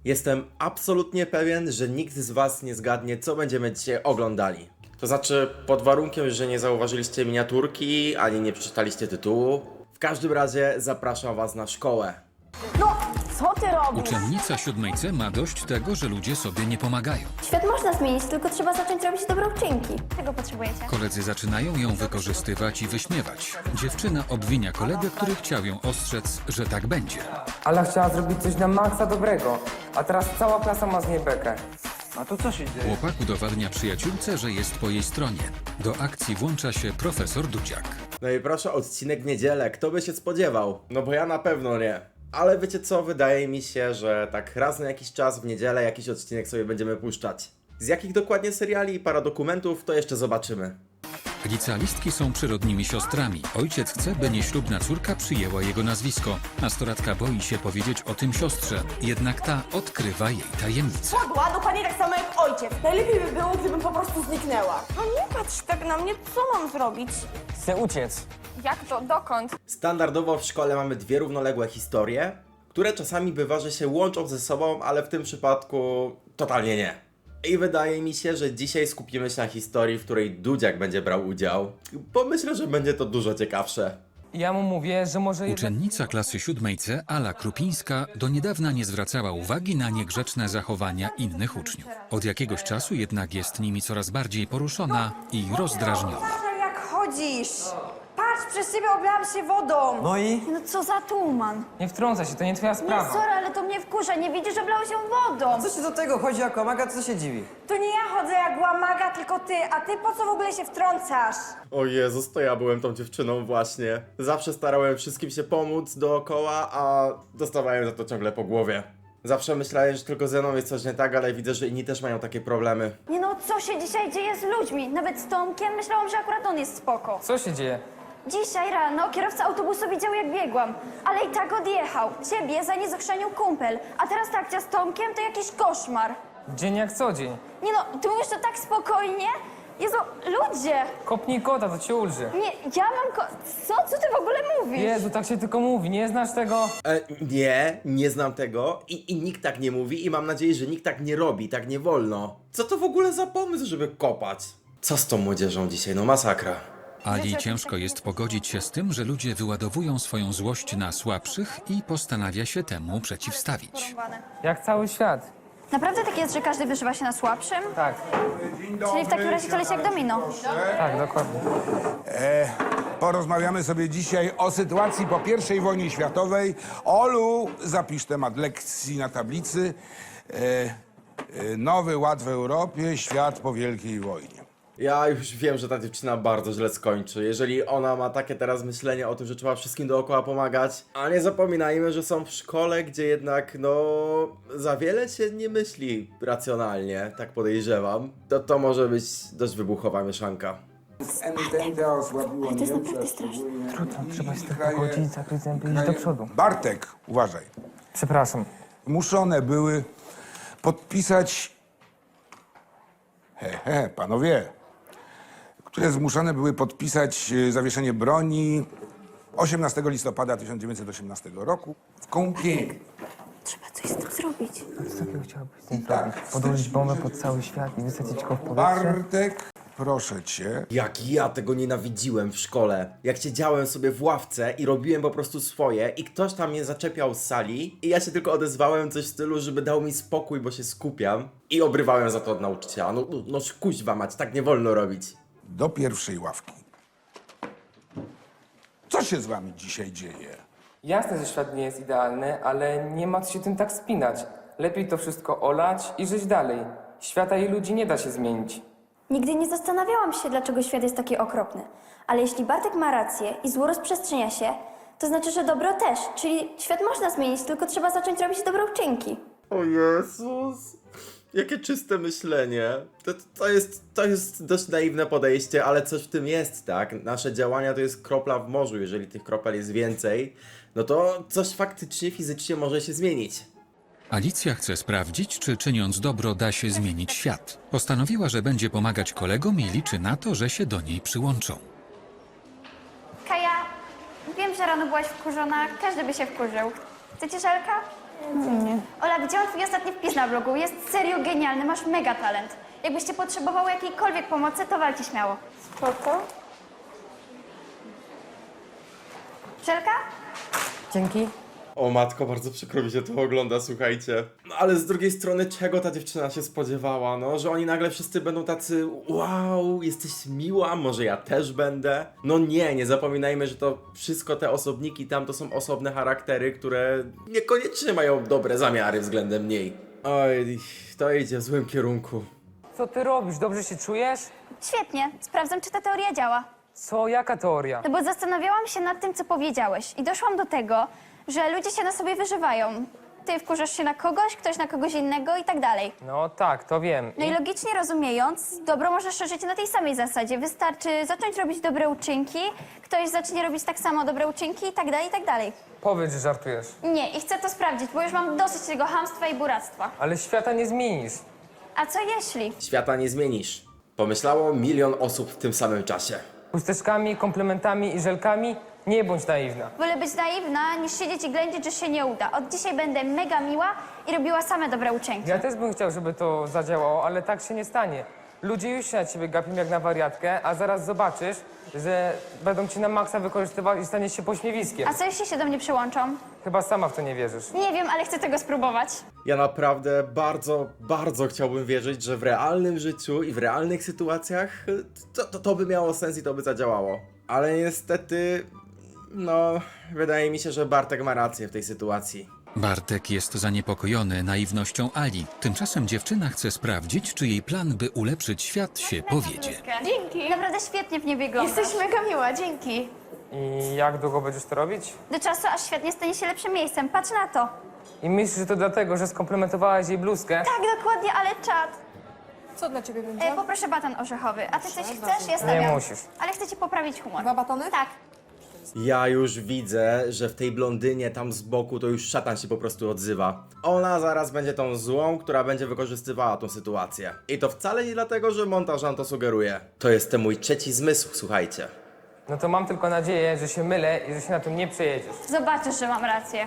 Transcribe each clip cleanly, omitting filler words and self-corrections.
Jestem absolutnie pewien, że nikt z was nie zgadnie, co będziemy dzisiaj oglądali. To znaczy, pod warunkiem, że nie zauważyliście miniaturki, ani nie przeczytaliście tytułu. W każdym razie zapraszam was na szkołę. No, co ty robisz? Uczennica 7 C ma dość tego, że ludzie sobie nie pomagają. Świat można zmienić, tylko trzeba zacząć robić dobre uczynki. Czego potrzebujecie? Koledzy zaczynają ją wykorzystywać i wyśmiewać. Dziewczyna obwinia kolegę, który chciał ją ostrzec, że tak będzie. Ala chciała zrobić coś na maksa dobrego, a teraz cała klasa ma z niej bekę. A to co się dzieje? Chłopak udowadnia przyjaciółce, że jest po jej stronie. Do akcji włącza się profesor Dudziak. No i proszę, odcinek w niedzielę, kto by się spodziewał? No bo ja na pewno nie. Ale wiecie co, wydaje mi się, że tak raz na jakiś czas w niedzielę jakiś odcinek sobie będziemy puszczać. Z jakich dokładnie seriali i paradokumentów, to jeszcze zobaczymy. Licealistki są przyrodnimi siostrami. Ojciec chce, by nieślubna córka przyjęła jego nazwisko. Nastolatka boi się powiedzieć o tym siostrze, jednak ta odkrywa jej tajemnicę. Podła, dokładnie tak samo jak ojciec. Najlepiej by było, gdybym po prostu zniknęła. No nie patrz tak na mnie, co mam zrobić? Chcę uciec. Jak to? Dokąd? Standardowo w szkole mamy dwie równoległe historie, które czasami bywa, że się łączą ze sobą, ale w tym przypadku totalnie nie. I wydaje mi się, że dzisiaj skupimy się na historii, w której Dudziak będzie brał udział, bo myślę, że będzie to dużo ciekawsze. Ja mu mówię, że może jednak... Uczennica klasy 7 C, Ala Krupińska, do niedawna nie zwracała uwagi na niegrzeczne zachowania innych uczniów. Od jakiegoś czasu jednak jest nimi coraz bardziej poruszona i rozdrażniona. Patrz jak chodzisz. Patrz, przez ciebie oblałam się wodą. No i? No co za tuman. Nie wtrącaj się, to nie twoja Nie, sprawa. sorry, ale to mnie wkurza. Nie widzisz, że blało się wodą. Co się do tego chodzi jako maga, co się dziwi? To nie ja chodzę jak łamaga, tylko ty. A ty po co w ogóle się wtrącasz? O Jezus, to ja byłem tą dziewczyną właśnie. Zawsze starałem wszystkim się pomóc dookoła, a dostawałem za to ciągle po głowie. Zawsze myślałem, że tylko ze mną jest coś nie tak, ale widzę, że inni też mają takie problemy. Nie no, co się dzisiaj dzieje z ludźmi? Nawet z Tomkiem myślałam, że akurat on jest spoko. Co się dzieje? Dzisiaj rano kierowca autobusu widział, jak biegłam, ale i tak odjechał. Ciebie za nie zachrzanił kumpel, a teraz ta akcja z Tomkiem to jakiś koszmar. Dzień jak co dzień. Nie no, ty mówisz to tak spokojnie? Jezu, ludzie! Kopnij kota, to cię ulży. Nie, ja mam Co ty w ogóle mówisz? Jezu, tak się tylko mówi, nie znasz tego? Nie znam tego i nikt tak nie mówi i mam nadzieję, że nikt tak nie robi, tak nie wolno. Co to w ogóle za pomysł, żeby kopać? Co z tą młodzieżą dzisiaj? No masakra. Ali ciężko jest pogodzić się z tym, że ludzie wyładowują swoją złość na słabszych i postanawia się temu przeciwstawić. Jak cały świat. Naprawdę tak jest, że każdy wyżywa się na słabszym? Tak, Czyli w takim razie to leci jak domino. tak, dokładnie. Porozmawiamy sobie dzisiaj o sytuacji po I wojnie światowej. Olu, zapisz temat lekcji na tablicy. Nowy ład w Europie, świat po Wielkiej Wojnie. Ja już wiem, że ta dziewczyna bardzo źle skończy. Jeżeli ona ma takie teraz myślenie o tym, że trzeba wszystkim dookoła pomagać, a nie zapominajmy, że są w szkole, gdzie jednak, no, za wiele się nie myśli racjonalnie, tak podejrzewam. To może być dość wybuchowa mieszanka. Entente osłabiło Niemcy, Trudno, trzeba się tak pogodzić, zakryć zęby i iść do przodu. Bartek, uważaj. Przepraszam. Zmuszone były podpisać... panowie. Które zmuszone były podpisać zawieszenie broni 18 listopada 1918 roku w Kąpieli. Trzeba coś z tym zrobić. Co takiego chciałabyś z tym zrobić? Podłożyć bombę pod cały świat i wysadzić go w powietrze? Bartek, proszę cię. Jak ja tego nienawidziłem w szkole. Jak siedziałem sobie w ławce i robiłem po prostu swoje i ktoś tam mnie zaczepiał z sali i ja się tylko odezwałem coś w stylu, żeby dał mi spokój, bo się skupiam i obrywałem za to od nauczyciela. No kuźwa mać, tak nie wolno robić. Do pierwszej ławki. Co się z wami dzisiaj dzieje? Jasne, że świat nie jest idealny, ale nie ma co się tym tak spinać. Lepiej to wszystko olać i żyć dalej. Świata i ludzi nie da się zmienić. Nigdy nie zastanawiałam się, dlaczego świat jest taki okropny. Ale jeśli Bartek ma rację i zło rozprzestrzenia się, to znaczy, że dobro też. Czyli świat można zmienić, tylko trzeba zacząć robić dobre uczynki. O Jezus. Jakie czyste myślenie. To jest dość naiwne podejście, ale coś w tym jest, tak? Nasze działania to jest kropla w morzu. Jeżeli tych kropel jest więcej, no to coś faktycznie, fizycznie może się zmienić. Alicja chce sprawdzić, czy czyniąc dobro da się zmienić świat. Postanowiła, że będzie pomagać kolegom i liczy na to, że się do niej przyłączą. Kaja, wiem, że rano byłaś wkurzona. Każdy by się wkurzył. Chcecie żelka? Ola, widziałam twój ostatni wpis na blogu. Jest serio genialny, masz mega talent. Jakbyście potrzebowały jakiejkolwiek pomocy, to walcie śmiało. Spoko. Żelka? Dzięki. O matko, bardzo przykro mi się to ogląda, słuchajcie. No ale z drugiej strony, czego ta dziewczyna się spodziewała, no? Że oni nagle wszyscy będą tacy, wow, jesteś miła, może ja też będę? No nie zapominajmy, że to wszystko te osobniki tam to są osobne charaktery, które niekoniecznie mają dobre zamiary względem niej. Oj, to idzie w złym kierunku. Co ty robisz? Dobrze się czujesz? Świetnie. Sprawdzam, czy ta teoria działa. Co? Jaka teoria? No bo zastanawiałam się nad tym, co powiedziałeś i doszłam do tego, że ludzie się na sobie wyżywają. Ty wkurzasz się na kogoś, ktoś na kogoś innego i tak dalej. No tak, to wiem. No i logicznie rozumiejąc, dobro może szerzyć na tej samej zasadzie. Wystarczy zacząć robić dobre uczynki, ktoś zacznie robić tak samo dobre uczynki i tak dalej, i tak dalej. Powiedz, że żartujesz. Nie, i chcę to sprawdzić, bo już mam dosyć tego chamstwa i buractwa. Ale świata nie zmienisz. A co jeśli? Świata nie zmienisz. Pomyślało 1 000 000 osób w tym samym czasie. Chusteczkami, komplementami i żelkami nie bądź naiwna. Wolę być naiwna, niż siedzieć i ględzić, że się nie uda. Od dzisiaj będę mega miła i robiła same dobre uczynki. Ja też bym chciał, żeby to zadziałało, ale tak się nie stanie. Ludzie już się na ciebie gapią jak na wariatkę, a zaraz zobaczysz, że będą cię na maksa wykorzystywać i staniesz się pośmiewiskiem. A co jeśli się do mnie przyłączą? Chyba sama w to nie wierzysz. Nie wiem, ale chcę tego spróbować. Ja naprawdę bardzo chciałbym wierzyć, że w realnym życiu i w realnych sytuacjach to by miało sens i to by zadziałało. Ale niestety, no, wydaje mi się, że Bartek ma rację w tej sytuacji. Bartek jest zaniepokojony naiwnością Ali. Tymczasem dziewczyna chce sprawdzić, czy jej plan, by ulepszyć świat, się powiedzie. Dzięki. Naprawdę świetnie w nie wyglądasz. Jesteś mega miła, dzięki. I jak długo będziesz to robić? Do czasu, aż świat nie stanie się lepszym miejscem. Patrz na to. I myślisz, że to dlatego, że skomplementowałaś jej bluzkę? Tak, dokładnie, ale czad. Co dla ciebie będzie? Poproszę baton orzechowy. A ty coś chcesz? Ja stawiam. Nie musisz. Ale chcę ci poprawić humor. 2 batony? Tak. Ja już widzę, że w tej blondynie tam z boku to już szatan się po prostu odzywa. Ona zaraz będzie tą złą, która będzie wykorzystywała tą sytuację. I to wcale nie dlatego, że montaż nam to sugeruje. To jest ten mój trzeci zmysł, słuchajcie. No to mam tylko nadzieję, że się mylę i że się na tym nie przejedziesz. Zobaczysz, że mam rację.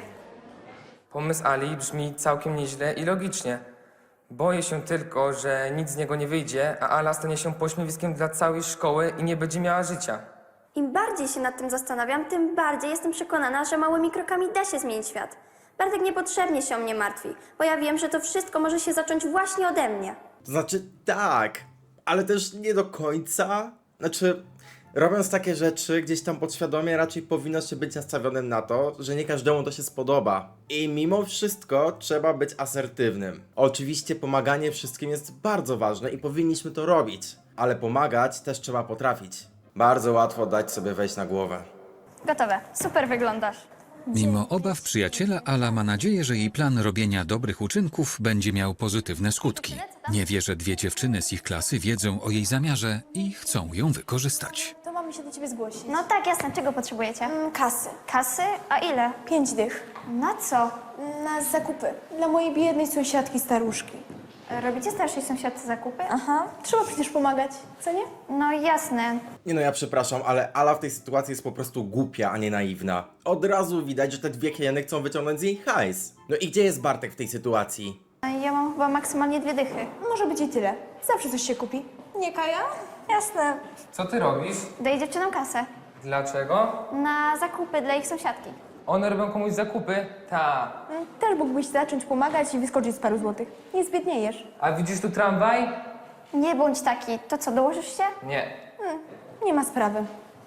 Pomysł Ali brzmi całkiem nieźle i logicznie. Boję się tylko, że nic z niego nie wyjdzie, a Ala stanie się pośmiewiskiem dla całej szkoły i nie będzie miała życia. Im bardziej się nad tym zastanawiam, tym bardziej jestem przekonana, że małymi krokami da się zmienić świat. Bartek niepotrzebnie się o mnie martwi, bo ja wiem, że to wszystko może się zacząć właśnie ode mnie. To znaczy tak, ale też nie do końca. Znaczy, robiąc takie rzeczy gdzieś tam podświadomie raczej powinno się być nastawionym na to, że nie każdemu to się spodoba. I mimo wszystko trzeba być asertywnym. Oczywiście pomaganie wszystkim jest bardzo ważne i powinniśmy to robić, ale pomagać też trzeba potrafić. Bardzo łatwo dać sobie wejść na głowę. Gotowe. Super wyglądasz. Mimo obaw przyjaciela, Ala ma nadzieję, że jej plan robienia dobrych uczynków będzie miał pozytywne skutki. Nie wie, że 2 dziewczyny z ich klasy wiedzą o jej zamiarze i chcą ją wykorzystać. To mamy się do ciebie zgłosić. No tak, jasne. Czego potrzebujecie? Kasy. Kasy? A ile? 5 dych. Na co? Na zakupy. Dla mojej biednej sąsiadki staruszki. Robicie starszej sąsiadce zakupy? Aha. Trzeba przecież pomagać, co nie? No jasne. Nie no, ja przepraszam, ale Ala w tej sytuacji jest po prostu głupia, a nie naiwna. Od razu widać, że te 2 hieny chcą wyciągnąć z jej hajs. No i gdzie jest Bartek w tej sytuacji? Ja mam chyba maksymalnie 2 dychy. Może być i tyle. Zawsze coś się kupi. Nie, Kaja? Jasne. Co ty robisz? Daję dziewczynom kasę. Dlaczego? Na zakupy dla ich sąsiadki. One robią komuś zakupy? Ta. Też mógłbyś zacząć pomagać i wyskoczyć z paru złotych. Nie zbiedniejesz. A widzisz tu tramwaj? Nie bądź taki. To co, dołożysz się? Nie. Nie ma sprawy.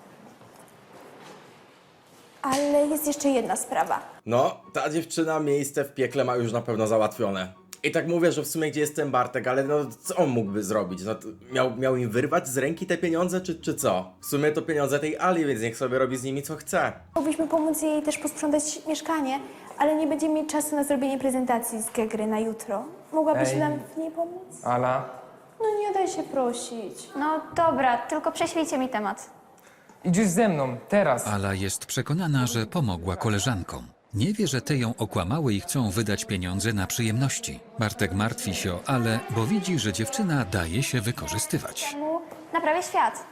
Ale jest jeszcze jedna sprawa. No, ta dziewczyna miejsce w piekle ma już na pewno załatwione. I tak mówię, że w sumie gdzie jest ten Bartek, ale no co on mógłby zrobić? No, to miał im wyrwać z ręki te pieniądze, czy co? W sumie to pieniądze tej Ali, więc niech sobie robi z nimi co chce. Mogliśmy pomóc jej też posprzątać mieszkanie, ale nie będziemy mieć czasu na zrobienie prezentacji z gry na jutro. Mogłabyś Ej. nam w niej pomóc? Ala, No nie daj się prosić. No dobra, tylko prześlijcie mi temat. idziesz ze mną, teraz. Ala jest przekonana, że pomogła koleżankom. Nie wie, że te ją okłamały i chcą wydać pieniądze na przyjemności. Bartek martwi się o Ale, bo widzi, że dziewczyna daje się wykorzystywać. Naprawię świat.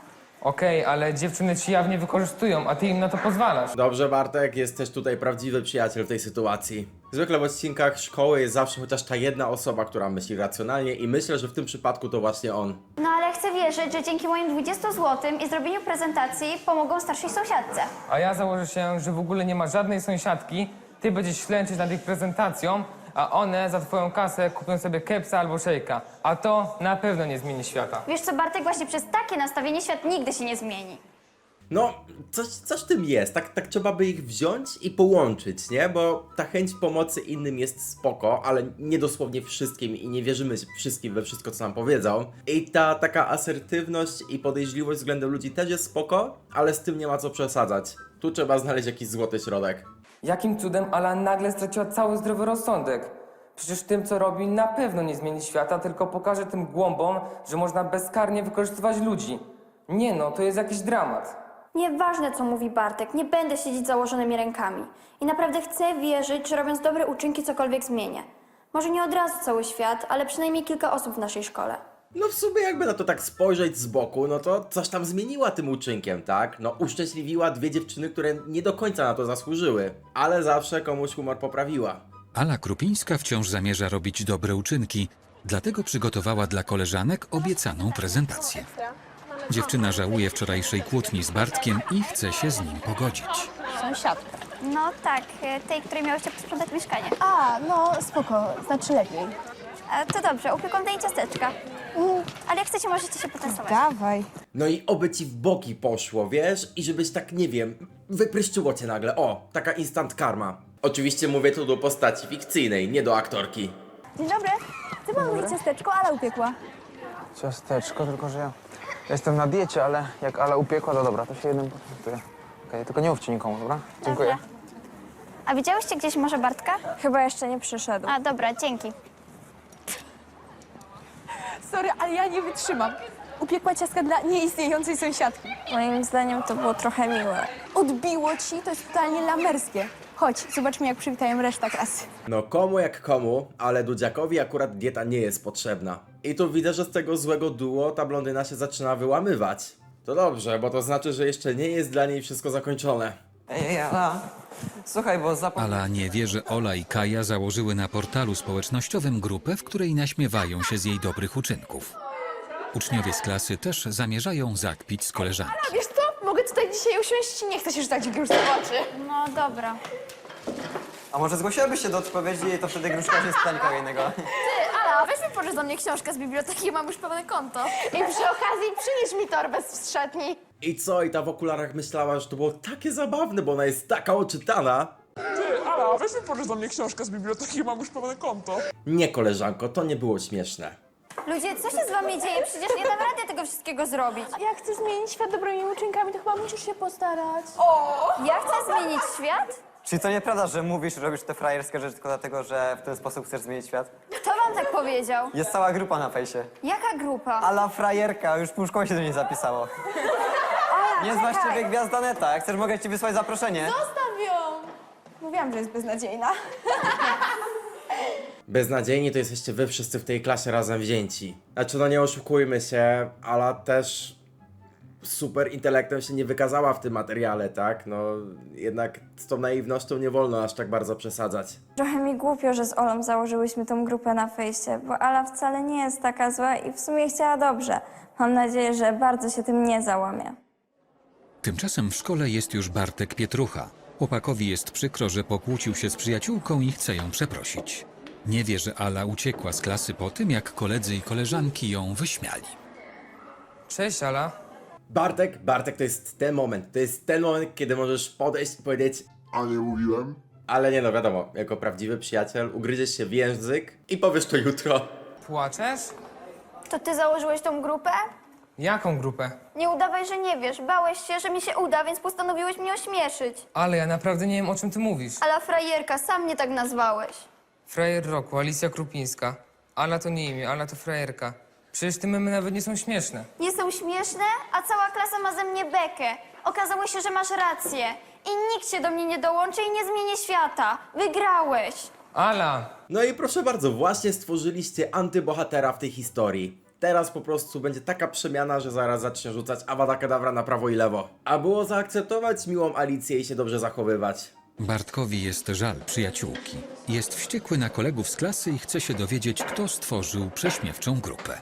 Okej, ale dziewczyny ci jawnie wykorzystują, a ty im na to pozwalasz. Dobrze, Bartek, jest też tutaj prawdziwy przyjaciel w tej sytuacji. Zwykle w odcinkach szkoły jest zawsze chociaż ta jedna osoba, która myśli racjonalnie i myślę, że w tym przypadku to właśnie on. No ale chcę wierzyć, że dzięki moim 20 zł i zrobieniu prezentacji pomogą starszej sąsiadce. A ja założę się, że w ogóle nie ma żadnej sąsiadki, ty będziesz ślęczyć nad ich prezentacją, a one za twoją kasę kupią sobie kepsa albo szejka. A to na pewno nie zmieni świata. Wiesz co, Bartek, właśnie przez takie nastawienie świat nigdy się nie zmieni. No, coś w tym jest, tak trzeba by ich wziąć i połączyć, nie? Bo ta chęć pomocy innym jest spoko, ale nie dosłownie wszystkim i nie wierzymy wszystkim we wszystko, co nam powiedzą. I ta taka asertywność i podejrzliwość względem ludzi też jest spoko, ale z tym nie ma co przesadzać. Tu trzeba znaleźć jakiś złoty środek. Jakim cudem Ala nagle straciła cały zdrowy rozsądek? Przecież tym, co robi, na pewno nie zmieni świata, tylko pokaże tym głąbom, że można bezkarnie wykorzystywać ludzi. Nie no, to jest jakiś dramat. Nieważne, co mówi Bartek, nie będę siedzieć założonymi rękami. I naprawdę chcę wierzyć, że robiąc dobre uczynki cokolwiek zmienię. Może nie od razu cały świat, ale przynajmniej kilka osób w naszej szkole. No w sumie jakby na to tak spojrzeć z boku, no to coś tam zmieniła tym uczynkiem, tak? No uszczęśliwiła dwie dziewczyny, które nie do końca na to zasłużyły, ale zawsze komuś humor poprawiła. Ala Krupińska wciąż zamierza robić dobre uczynki, dlatego przygotowała dla koleżanek obiecaną prezentację. Dziewczyna żałuje wczorajszej kłótni z Bartkiem i chce się z nim pogodzić. Sąsiadka. No tak, tej, której miałyście posprzątać mieszkanie. A, no spoko, znaczy lepiej. To dobrze, upieką tej ciasteczka. Ale jak chcecie, możecie się potestować. Dawaj. No i oby ci w boki poszło, wiesz? I żebyś tak, nie wiem, wypryszczyło cię nagle. O, taka instant karma. Oczywiście mówię tu do postaci fikcyjnej, nie do aktorki. Dzień dobry. Ty pan mówi ciasteczko, Ala upiekła. Ciasteczko, tylko że ja jestem na diecie, ale jak Ala upiekła, to dobra, to się jednym potraktuje. Okej, tylko nie mówcie nikomu, dobra? Dziękuję. Dobra. A widziałyście gdzieś może Bartka? Chyba jeszcze nie przyszedł. A, dobra, dzięki. Sorry, ale ja nie wytrzymam. Upiekła ciastka dla nieistniejącej sąsiadki. Moim zdaniem to było trochę miłe. Odbiło ci? To jest totalnie lamerskie. Chodź, zobaczmy, jak przywitają reszta klasy. No komu jak komu, ale Dudziakowi akurat dieta nie jest potrzebna. I tu widzę, że z tego złego duo ta blondyna się zaczyna wyłamywać. To dobrze, bo to znaczy, że jeszcze nie jest dla niej wszystko zakończone. Ej, Ala, słuchaj, bo Ala nie wie, że Ola i Kaja założyły na portalu społecznościowym grupę, w której naśmiewają się z jej dobrych uczynków. Uczniowie z klasy też zamierzają zakpić z koleżanki. Wiesz co? Mogę tutaj dzisiaj usiąść? Nie chcę się rzucać w gruszce w oczy. No dobra. A może zgłosiłabyś się do odpowiedzi i to wtedy gruszka się stańka innego? Ala, weź mi pożycz do mnie książkę z biblioteki, mam już pełne konto. I przy okazji przynieś mi torbę z szatni. I co? I ta w okularach myślała, że to było takie zabawne, bo ona jest taka oczytana. Ala, weź mi pożycz do mnie książkę z biblioteki, mam już pełne konto. Nie, koleżanko, to nie było śmieszne. Ludzie, co się z wami dzieje? Przecież nie dam rady tego wszystkiego zrobić. Jak chcę zmienić świat dobrymi uczynkami, to chyba musisz się postarać. Ja chcę zmienić świat? Czyli to nieprawda, że mówisz, robisz te frajerskie rzeczy tylko dlatego, że w ten sposób chcesz zmienić świat? Kto wam tak powiedział? Jest cała grupa na fejsie. Jaka grupa? Ala frajerka, już pół szkoły się do niej zapisało. Nie z ciebie gwiazda neta, jak chcesz mogę ci wysłać zaproszenie. Zostaw ją! Mówiłam, że jest beznadziejna. Beznadziejni to jesteście wy wszyscy w tej klasie razem wzięci. Znaczy, no nie oszukujmy się, Ala też super intelektem się nie wykazała w tym materiale, tak? No jednak z tą naiwnością nie wolno aż tak bardzo przesadzać. Trochę mi głupio, że z Olą założyłyśmy tą grupę na fejsie, bo Ala wcale nie jest taka zła i w sumie chciała dobrze. Mam nadzieję, że bardzo się tym nie załamie. Tymczasem w szkole jest już Bartek Pietrucha. Chłopakowi jest przykro, że pokłócił się z przyjaciółką i chce ją przeprosić. Nie wie, że Ala uciekła z klasy po tym, jak koledzy i koleżanki ją wyśmiali. Cześć, Ala. Bartek, to jest ten moment, kiedy możesz podejść i powiedzieć: A nie mówiłem? ale nie no, wiadomo, jako prawdziwy przyjaciel ugryziesz się w język i powiesz to jutro. Płaczesz? To ty założyłeś tą grupę? Jaką grupę? Nie udawaj, że nie wiesz. Bałeś się, że mi się uda, więc postanowiłeś mnie ośmieszyć. Ale ja naprawdę nie wiem, o czym ty mówisz. Ala frajerka, sam mnie tak nazwałeś. Frajer roku, Alicja Krupińska. Ala to nie imię, Ala to frajerka. Przecież te memy nawet nie są śmieszne. Nie są śmieszne, a cała klasa ma ze mnie bekę. Okazało się, że masz rację. I nikt się do mnie nie dołączy i nie zmieni świata. Wygrałeś. Ala! No i proszę bardzo, właśnie stworzyliście antybohatera w tej historii. Teraz po prostu będzie taka przemiana, że zaraz zacznie rzucać Avada Kedavra na prawo i lewo. A było zaakceptować miłą Alicję i się dobrze zachowywać. Bartkowi jest żal przyjaciółki. Jest wściekły na kolegów z klasy i chce się dowiedzieć, kto stworzył prześmiewczą grupę.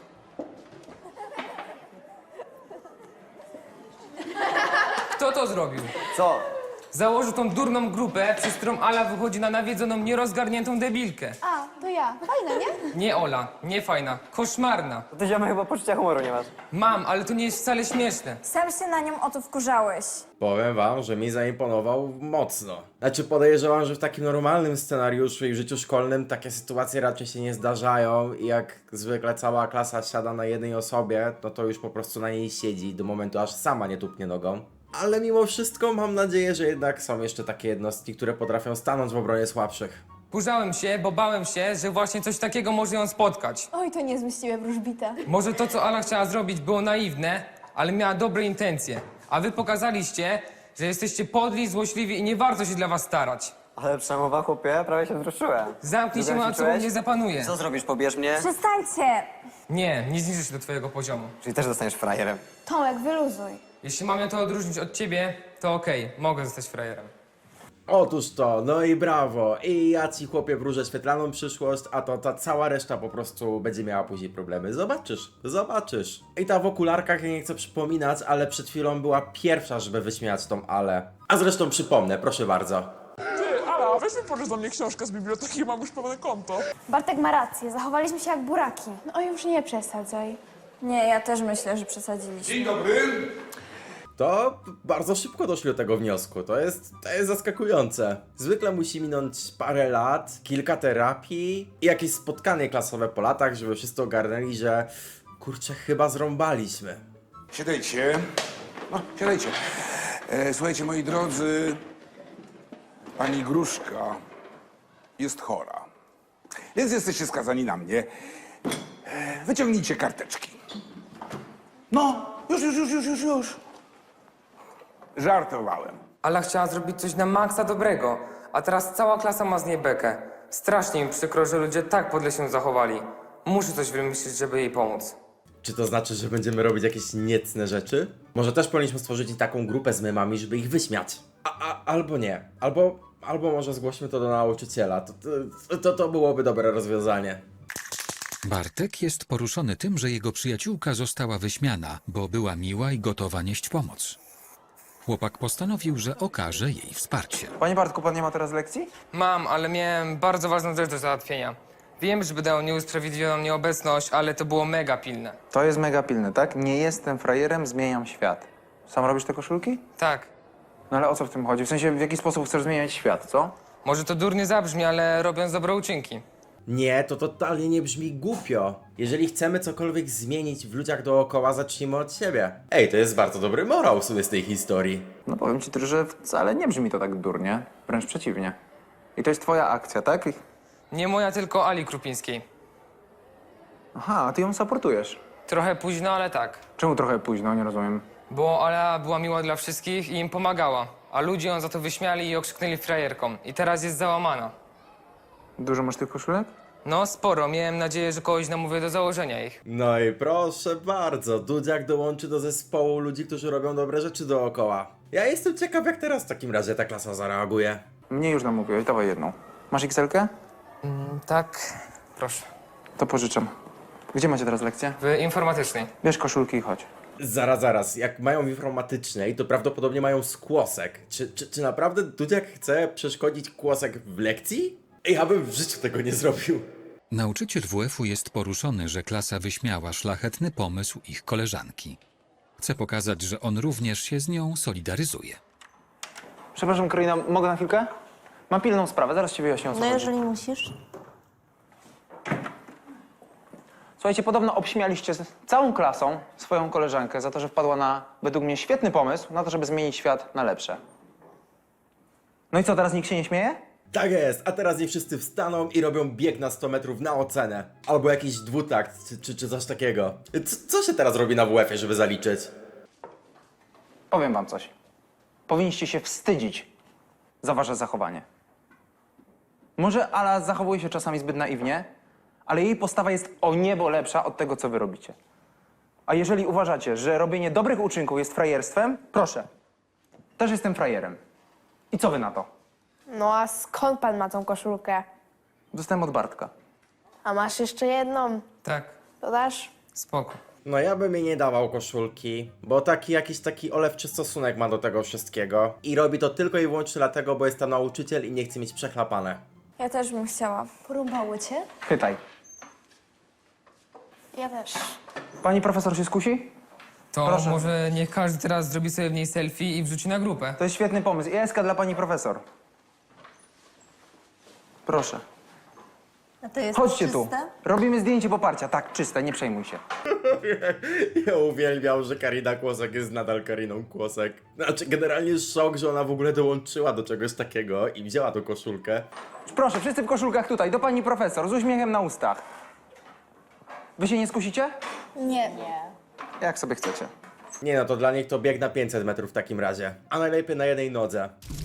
Kto to zrobił? Co? Założył tą durną grupę, przez którą Ala wychodzi na nawiedzoną, nierozgarniętą debilkę. A, to ja. Fajne, nie? Nie Ola, nie fajna, koszmarna. Ty ziomek chyba poczucia humoru nie masz. Mam, ale to nie jest wcale śmieszne. Sam się na nią o to wkurzałeś. Powiem wam, że mi zaimponował mocno. Znaczy podejrzewam, że w takim normalnym scenariuszu i w życiu szkolnym takie sytuacje raczej się nie zdarzają i jak zwykle cała klasa siada na jednej osobie, no to już po prostu na niej siedzi do momentu, aż sama nie tupnie nogą. Ale mimo wszystko mam nadzieję, że jednak są jeszcze takie jednostki, które potrafią stanąć w obronie słabszych. Kurzałem się, bo bałem się, że właśnie coś takiego może ją spotkać. Oj, to niezły z ciebie wróżbita. Może to, co Ala chciała zrobić, było naiwne, ale miała dobre intencje. A wy pokazaliście, że jesteście podli, złośliwi i nie warto się dla was starać. Ale przemowa, chłopie, prawie się wzruszyłem. Zamknij się, Dobrze a co ćwiczyłeś? mnie zapanuje. Co zrobisz, pobierz mnie? Przestańcie! Nie, nie zniżę się do twojego poziomu. Czyli też zostaniesz frajerem. Tomek, wyluzuj. Jeśli mam ją to odróżnić od ciebie, to okej, mogę zostać frajerem. Otóż to, no i brawo. I ja ci chłopie wróżę świetlaną przyszłość, a to ta cała reszta po prostu będzie miała później problemy. Zobaczysz, zobaczysz. I ta w okularkach, ja nie chcę przypominać, ale przed chwilą była pierwsza, żeby wyśmiać tą Ale. A zresztą przypomnę, proszę bardzo. Ty, Ala, weź mi pożycz do mnie książkę z biblioteki, mam już pełne konto. Bartek ma rację, zachowaliśmy się jak buraki. No oj, już nie przesadzaj. Nie, ja też myślę, że przesadziliśmy. Dzień dobry. To bardzo szybko doszli do tego wniosku. To jest zaskakujące. Zwykle musi minąć parę lat, kilka terapii i jakieś spotkanie klasowe po latach, żeby wszyscy ogarnęli, że kurczę, chyba zrąbaliśmy. Siadajcie. No, siadajcie. Słuchajcie, moi drodzy, pani Gruszka jest chora. Więc jesteście skazani na mnie. Wyciągnijcie karteczki. No, już. Żartowałem. Ala chciała zrobić coś na maksa dobrego, a teraz cała klasa ma z niej bekę. Strasznie mi przykro, że ludzie tak podle się zachowali. Muszę coś wymyślić, żeby jej pomóc. Czy to znaczy, że będziemy robić jakieś niecne rzeczy? Może też powinniśmy stworzyć taką grupę z memami, żeby ich wyśmiać. Albo nie. Albo może zgłośmy to do nauczyciela. To byłoby dobre rozwiązanie. Bartek jest poruszony tym, że jego przyjaciółka została wyśmiana, bo była miła i gotowa nieść pomoc. Chłopak postanowił, że okaże jej wsparcie. Panie Bartku, pan nie ma teraz lekcji? Mam, ale miałem bardzo ważną rzecz do załatwienia. Wiem, że będę miał usprawiedliwioną nieobecność, ale to było mega pilne. To jest mega pilne, tak? Nie jestem frajerem, zmieniam świat. Sam robisz te koszulki? Tak. No ale o co w tym chodzi? W sensie, w jaki sposób chcesz zmieniać świat, co? Może to durnie zabrzmi, ale robiąc dobre uczynki. Nie, to totalnie nie brzmi głupio. Jeżeli chcemy cokolwiek zmienić w ludziach dookoła, zacznijmy od siebie. Ej, to jest bardzo dobry morał w sumie z tej historii. No powiem ci też, że wcale nie brzmi to tak durnie. Wręcz przeciwnie. I to jest twoja akcja, tak? Nie moja, tylko Ali Krupińskiej. Aha, a ty ją supportujesz. Trochę późno, ale tak. Czemu trochę późno? Nie rozumiem. Bo Ala była miła dla wszystkich i im pomagała. A ludzie ją za to wyśmiali i okrzyknęli frajerką. I teraz jest załamana. Dużo masz tych koszulek? No sporo, miałem nadzieję, że kogoś namówię do założenia ich. No i proszę bardzo, Dudziak dołączy do zespołu ludzi, którzy robią dobre rzeczy dookoła. Ja jestem ciekaw, jak teraz w takim razie ta klasa zareaguje. Mnie już namówiłeś, dawaj jedną. Masz XL-kę? Tak, proszę. To pożyczam. Gdzie macie teraz lekcję? W informatycznej. Bierz koszulki i chodź. Zaraz, jak mają w informatycznej, to prawdopodobnie mają skłosek. Czy naprawdę Dudziak chce przeszkodzić kłosek w lekcji? Ja bym w życiu tego nie zrobił. Nauczyciel WF-u jest poruszony, że klasa wyśmiała szlachetny pomysł ich koleżanki. Chce pokazać, że on również się z nią solidaryzuje. Przepraszam, Karolina, mogę na chwilkę? Mam pilną sprawę, zaraz ci wyjaśnię, o co No chodzi. jeżeli musisz. Słuchajcie, podobno obśmialiście z całą klasą swoją koleżankę za to, że wpadła na, według mnie, świetny pomysł na to, żeby zmienić świat na lepsze. No i co, teraz nikt się nie śmieje? Tak jest, a teraz nie wszyscy wstaną i robią bieg na 100 metrów na ocenę. Albo jakiś dwutakt, czy coś takiego. Co się teraz robi na WF-ie, żeby zaliczyć? Powiem wam coś. Powinniście się wstydzić za wasze zachowanie. Może Ala zachowuje się czasami zbyt naiwnie, ale jej postawa jest o niebo lepsza od tego, co wy robicie. A jeżeli uważacie, że robienie dobrych uczynków jest frajerstwem, proszę. Też jestem frajerem. I co wy na to? No a skąd pan ma tą koszulkę? Dostałem od Bartka. A masz jeszcze jedną? Tak, To dasz? spoko. No ja bym jej nie dawał koszulki, bo jakiś taki olewczy stosunek ma do tego wszystkiego. I robi to tylko i wyłącznie dlatego, bo jest tam nauczyciel i nie chce mieć przechlapane. Ja też bym chciała. Porąbało cię? Pytaj. Ja też. Pani profesor się skusi? To Proszę. może niech każdy teraz zrobi sobie w niej selfie i wrzuci na grupę. To jest świetny pomysł. ISK dla pani profesor. Proszę. A to jest Chodźcie tu. Robimy zdjęcie poparcia. Tak, czyste, nie przejmuj się. Ja uwielbiam, że Karina Kłosek jest nadal Kariną Kłosek. Znaczy, generalnie szok, że ona w ogóle dołączyła do czegoś takiego i wzięła tą koszulkę. Proszę, wszyscy w koszulkach tutaj, do pani profesor, z uśmiechem na ustach. Wy się nie skusicie? Nie. Jak sobie chcecie. Nie no, to dla nich to bieg na 500 metrów w takim razie. A najlepiej na jednej nodze.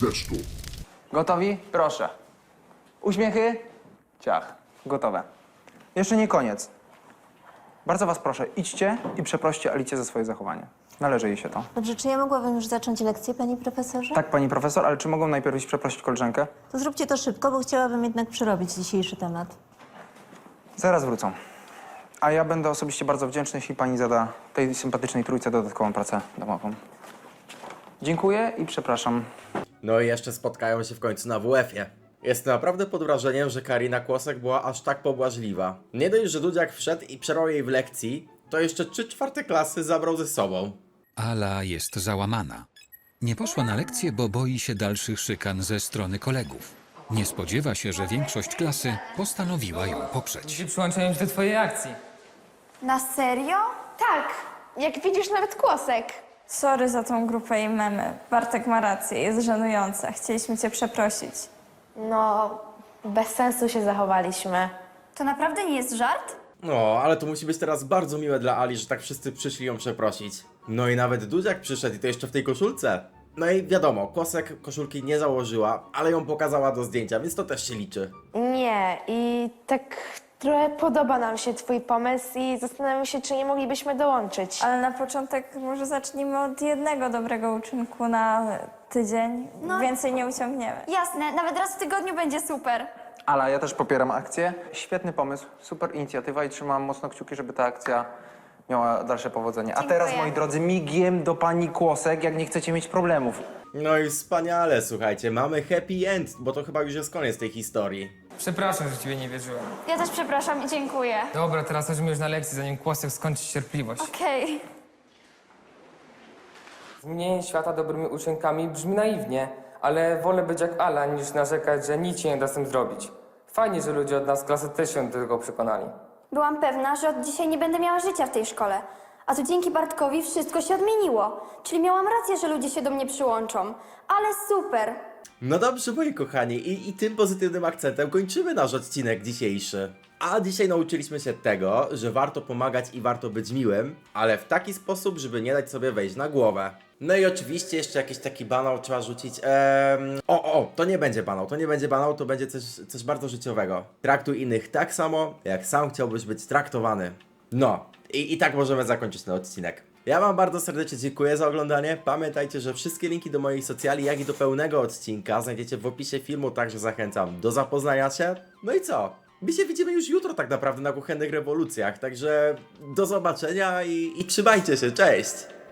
Gotowi? Proszę. Uśmiechy? Ciach. Gotowe. Jeszcze nie koniec. Bardzo was proszę, idźcie i przeproście Alicję za swoje zachowanie. Należy jej się to. Dobrze, czy ja mogłabym już zacząć lekcję, panie profesorze? Tak, pani profesor, ale czy mogą najpierw iść przeprosić koleżankę? To zróbcie to szybko, bo chciałabym jednak przerobić dzisiejszy temat. Zaraz wrócą. A ja będę osobiście bardzo wdzięczny, jeśli pani zada tej sympatycznej trójce dodatkową pracę domową. Dziękuję i przepraszam. No i jeszcze spotkają się w końcu na WF-ie. Jestem naprawdę pod wrażeniem, że Karina Kłosek była aż tak pobłażliwa. Nie dość, że Dudziak wszedł i przerwał jej w lekcji, to jeszcze 3/4 klasy zabrał ze sobą. Ala jest załamana. Nie poszła na lekcję, bo boi się dalszych szykan ze strony kolegów. Nie spodziewa się, że większość klasy postanowiła ją poprzeć. Ludzie przyłączają się do twojej akcji. Na serio? Tak. Jak widzisz, nawet Kłosek. Sorry za tą grupę i memy. Bartek ma rację, jest żenująca. Chcieliśmy cię przeprosić. No, bez sensu się zachowaliśmy. To naprawdę nie jest żart? No, ale to musi być teraz bardzo miłe dla Ali, że tak wszyscy przyszli ją przeprosić. No i nawet Dudziak przyszedł i to jeszcze w tej koszulce. No i wiadomo, Kłosek koszulki nie założyła, ale ją pokazała do zdjęcia, więc to też się liczy. Nie, i tak trochę podoba nam się twój pomysł i zastanawiam się, czy nie moglibyśmy dołączyć. Ale na początek może zacznijmy od jednego dobrego uczynku na tydzień. No. Więcej nie uciągniemy. Jasne, nawet raz w tygodniu będzie super. Ale ja też popieram akcję. Świetny pomysł, super inicjatywa i trzymam mocno kciuki, żeby ta akcja miała dalsze powodzenie. A teraz, moi drodzy, migiem do pani Kłosek, jak nie chcecie mieć problemów. No i wspaniale, słuchajcie, mamy happy end, bo to chyba już jest koniec tej historii. Przepraszam, że ciebie nie wierzyłem. Ja też przepraszam i dziękuję. Dobra, teraz chodźmy już na lekcję, zanim Kłosek skończy cierpliwość. Okej. Zmienienie świata dobrymi uczynkami brzmi naiwnie, ale wolę być jak Ala, niż narzekać, że nic się nie da z tym zrobić. Fajnie, że ludzie od nas z klasy też się do tego przekonali. Byłam pewna, że od dzisiaj nie będę miała życia w tej szkole. A tu dzięki Bartkowi wszystko się odmieniło. Czyli miałam rację, że ludzie się do mnie przyłączą. Ale super! No dobrze, moi kochani, i tym pozytywnym akcentem kończymy nasz odcinek dzisiejszy. A dzisiaj nauczyliśmy się tego, że warto pomagać i warto być miłym, ale w taki sposób, żeby nie dać sobie wejść na głowę. No i oczywiście jeszcze jakiś taki banał trzeba rzucić. To nie będzie banał, to będzie coś bardzo życiowego. Traktuj innych tak samo, jak sam chciałbyś być traktowany. No, i tak możemy zakończyć ten odcinek. Ja wam bardzo serdecznie dziękuję za oglądanie. Pamiętajcie, że wszystkie linki do moich socjali, jak i do pełnego odcinka znajdziecie w opisie filmu, także zachęcam do zapoznania się. No i co? My się widzimy już jutro tak naprawdę na Kuchennych Rewolucjach, także do zobaczenia i trzymajcie się, cześć!